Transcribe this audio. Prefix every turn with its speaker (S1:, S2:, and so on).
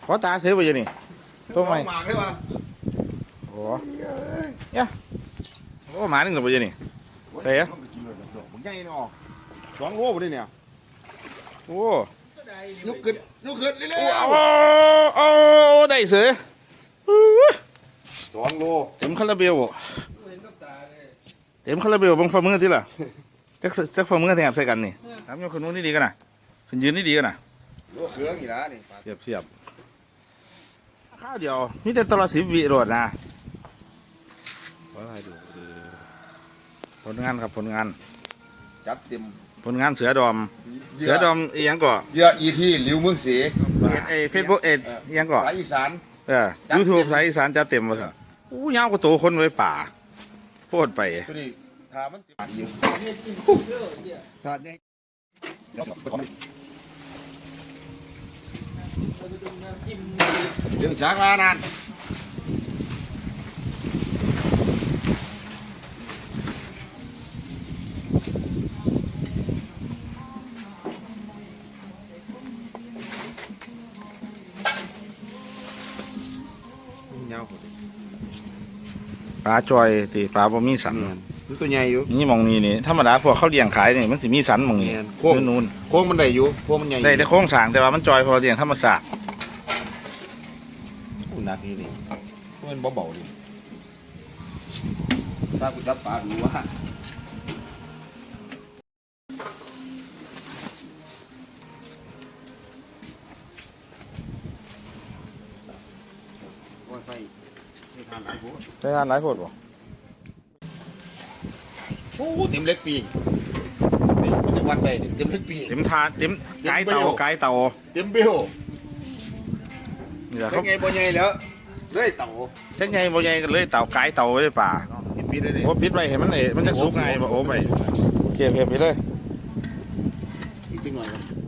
S1: ขอตาเสือไปยังนี่ตัวใหม่
S2: หมากได้ป่ะ
S1: โอ้เนี่ยโอ้หมาหนึ่งหรือไปยังนี่ใส่อะ
S2: ผมใหญ่เนาะ2 โลบ่ได้เนี่ย
S1: โอ้
S2: ยกขึ้นเร็ว
S1: เอาได้เสือ
S2: 2 โล
S1: เต็มคาราเบลเต็มคาราเบลบังฝ่ามือที่ล่ะจักฝ่ามือแถบใส่กันนี่ครับยกคนนู้นนี่ดีกันนะคนยืนนี่ดีกันนะ
S2: โลเครื่องนี่นะนี่
S1: เทียบข้าวเดียวมีแต่ตลอด10 วิโรดนะผลงานครับผลงาน
S2: จัดเต็ม
S1: ผลงานเสือดอมอีหยังก่อ
S2: เยอะอีที่หลิวเมืองศรี
S1: เฟซบุ๊กอีหยังก่อ
S2: สายอีสาน
S1: ยูทูบสายอีสานจะเต็มมาสิอู้ยาวกว่าโตคนไว้ป่าโพดไป
S2: ตัวนี้ถ้ามันติดอยู่ถ้าเนี่ยเรื่องช้างลานานยาว
S1: ปลาจอยตีปลาบ่มีสัน
S2: นี่ตัวใหญ่อยู่
S1: นี่มองนี่นี่ธรรมดาพวกเขาเลี้ยงขายนี่มันสิมีสันมองนี่
S2: โค้ง
S1: นู่น
S2: โค้งมันได้อยู่โค้งมันใหญ่
S1: ได้แต่โค้งสร้างแต่ว่ามันจอยพอเลี้ยงธรรมศาสตร์
S2: หนักนี่มันเบาๆดิถ้ากูจับปลาดูว่าไปไม่ทานหลายโพด
S1: ได้ทานหลายโพดบ่
S2: โอ้เต็มเล็กปีนี่มันจะวัดไปเต็มเล็กปี
S1: เต็มทานเต็มไก่เต่า
S2: เต็มเบี้ยว
S1: นี่แหละ
S2: เป็
S1: เขา
S2: นไงบ่ใหญ่แล้วเลยเต่า
S1: เช่นไงบ่ใหญ่กันเลยเต่าไก่เต่าไว้ป่า
S2: ติดปีได้เลย
S1: โอ้ปิดไว้เห็นมันมันจะสุกไงบ่โอ้ไปเก็บไปเลย
S2: อีกนิดหน่อย